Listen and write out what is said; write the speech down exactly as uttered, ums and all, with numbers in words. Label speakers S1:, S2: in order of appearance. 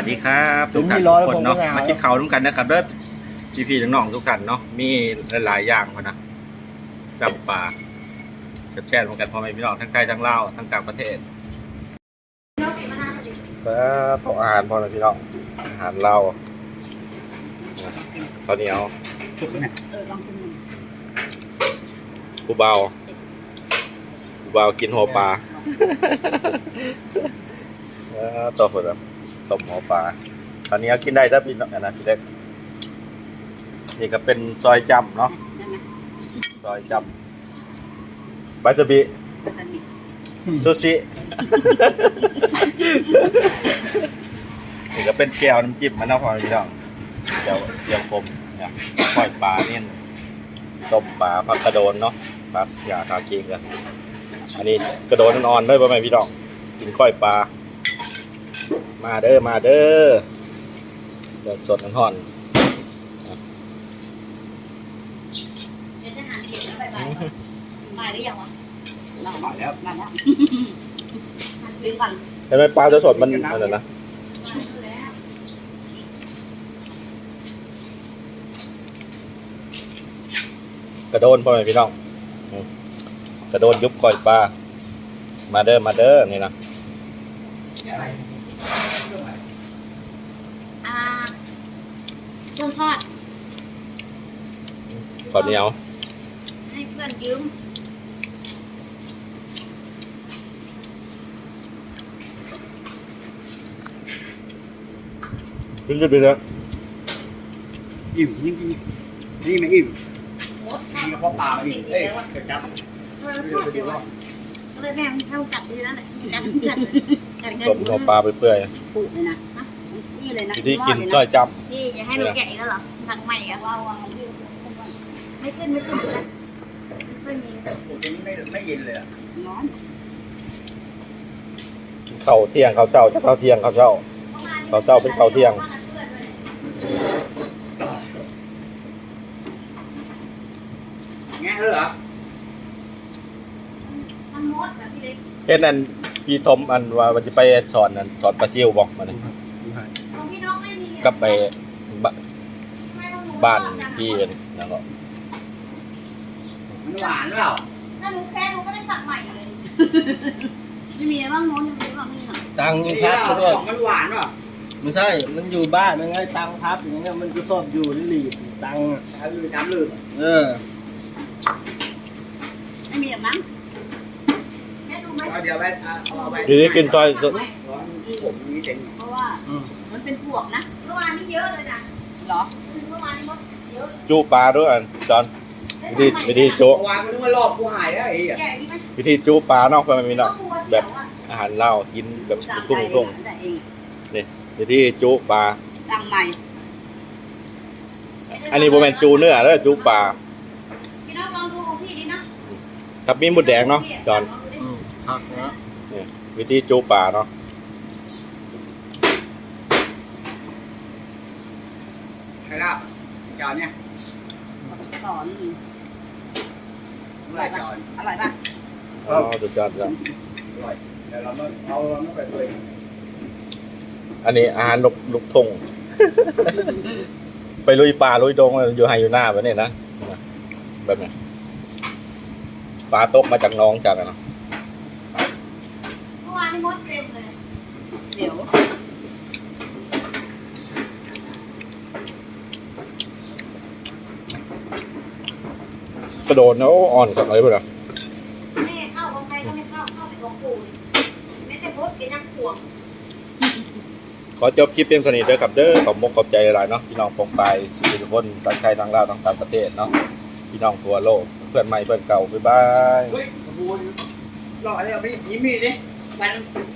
S1: ดีครับทุกท่านทุกคนเนาะมากินข้าวร่วมกันนะครับเด้อพี่พี่น้องๆทุกท่านเนาะมีหลายๆอย่างพอนะจับปลาแช่ๆร่วมกันพ่อแม่พี่น้องทั้งไทยทั้งลาวทั้งต่างประเทศครับของอาหารพ่อแม่พี่น้องอาหารลาวข้าวเหนียวกูเบากูเบากินหัวปลาต่อไปแล้วตบหัวปลาตอนนี้กินได้ถ้าพี่น้องนะพี่เล็กนี่ก็เป็นซอยจำเนาะซอยจำบาซาบิซูชินี่ก็เป็นแก้วน้ำจิ้มมันนะพอพี่น้องแก้วแก้วคมเนี่ยปล่อยปลาเนี่ยต้มปลาผักกระโดนเนาะครับอย่าทากินกันอันนี้กระโดนนอนด้วยป่ะแม่พี่น้องกินก้อยปลามาเด้อมาเด้อเดือดสดน้ำห่อน
S2: เป็นทหารเก็บแล้วไปไปมาหรือยังวะมาแล้วมาแล้วลืมก่อน
S1: เห็นไหมปลาจะสดมันอะไรนะกระโดนพ่อแม่พี่น้องกระโดนยุบก้อยปลามาเด้อมาเด้อนี่นะ
S2: เครื่องทอด
S1: ข้าวเหนียว
S2: ให้เพื่อนยืม
S1: ขึ้นขึ้นไปเลย
S3: อิ่มยิ่งนี่ไม่อิ่มนี่ก็เพราะปลาไม่อิ่มเอ้ยเกิดจับ
S2: เออทอดเดี๋ยวเลยแม่เท่ากัดดีแล้วแหละกัดเพื่อนกัดเงิน
S1: ต้มหัวปลาไปเปื่อย
S2: ปูเลยนะนี่เลยนะ
S1: ที่กินจ้อยจับ
S2: นี่อย่าให้เราแกะอีกแล้วเหรอสั่งใหม่อ่ะว้าวไม่ขึ้นไม่ขึ้นนะไม่มี
S3: โอ้ตรงนี้ไม่ไม่เย็นเลยอ่ะ
S2: ร้อน
S1: ข้าวเที่ยงข้าวเช้าจะข้าวเที่ยงข้าวเช้าข้าวเช้าเป็นข้าวเที่ยง
S3: แง่เหรอ
S2: มันมดแบบพี่เล็ก
S1: เอ็นนั่นพี่ทมอันว่ามันจะไปสอนนั่นสอนปลาซิวบอกมาเลยกับไปบ้านพี่นั่นก็
S3: มันหวานหรือเปล่า
S2: ถ้าหนูแพ้หนูก็ได้สั่งใหม่เลยไม่มีอะไรบ้างโน้นยังไม่บ้างนี่หรอ
S4: ตังค์พับด้วย
S3: มันหวานหรอ
S4: ไม่ใช่มันอยู่บ้านมันไงตังค์พับอย่างเงี้ยมันก็ชอบอยู่ในหลีบตังค์
S3: ทำลืมทำลืม
S4: เออ
S2: ไม่มีแบบนั้น
S3: เดี๋ยวไปเอาไป
S1: ทีนี้กินซอย
S3: ผมนี้เจ๋ง
S2: เพราะว่ามันเป็นพวกนะเมื่อวานนี้เยอะเลยนะหรอเมื่อวานนี้เยอะ
S1: จูปลาด้วยอันจอนวิธีวิธีจู
S3: เมื่อวานมันนึกว่ารอบกูหายแล้วไอ้เหี้ย
S1: วิธีจูปลาเนาะเพื่อนมีเนาะแบบอาหารเล่ากินแบบตุ้งตุ้งนี่วิธีจูปลา
S2: ดังใหม่
S1: อันนี้โบแมนจูเนื้อแล้วจูปลา
S2: พี่น้องลองดูของพี่ดินะ
S1: ทับมีหมดแดงเนาะจอน
S4: พักนะ
S1: นี่วิธีจูปลาเนาะ
S3: ใครลาบจานเนี่ย
S2: สอน
S3: อร่อยจอน
S2: อร่อยป่ะ
S1: อ๋อสุดยอดแล้ว
S3: อร่อยแต่เราไม่เอาเราไม่ไปเลย
S1: อันนี้อาหารลูกลูกทงไปลุยป่าลุยดงอยู่ไฮอยู่หน้าแบบนี้นะแบบนี้ปลาตกมาจากน้องจากนะ
S2: เมื่อวานนี้มดเต็มเลยเดี๋ยว
S1: กระโดดเนาะอ่อนกับอะไรไปล่ะ
S2: แม่เข้าของใครก็ไม่เข้าเข้าไปของปู่แม่จะพดเป็นยังห่วง
S1: ขอจบคลิปเพียงเท่านี้เด้อครับเด้อขอบมุกขอบใจหลายเนาะพี่น้องปองไปสุขุมวิททั้งไทยทั้งลาวทั้งต่างประเทศเนาะพี่น้องทั่วโลกเพื่อนใหม่เพื่อนเก่าบ๊ายบาย
S3: เฮ้ยขบวนรออะไรอ่ะพี่ยิ้มมีดิมัน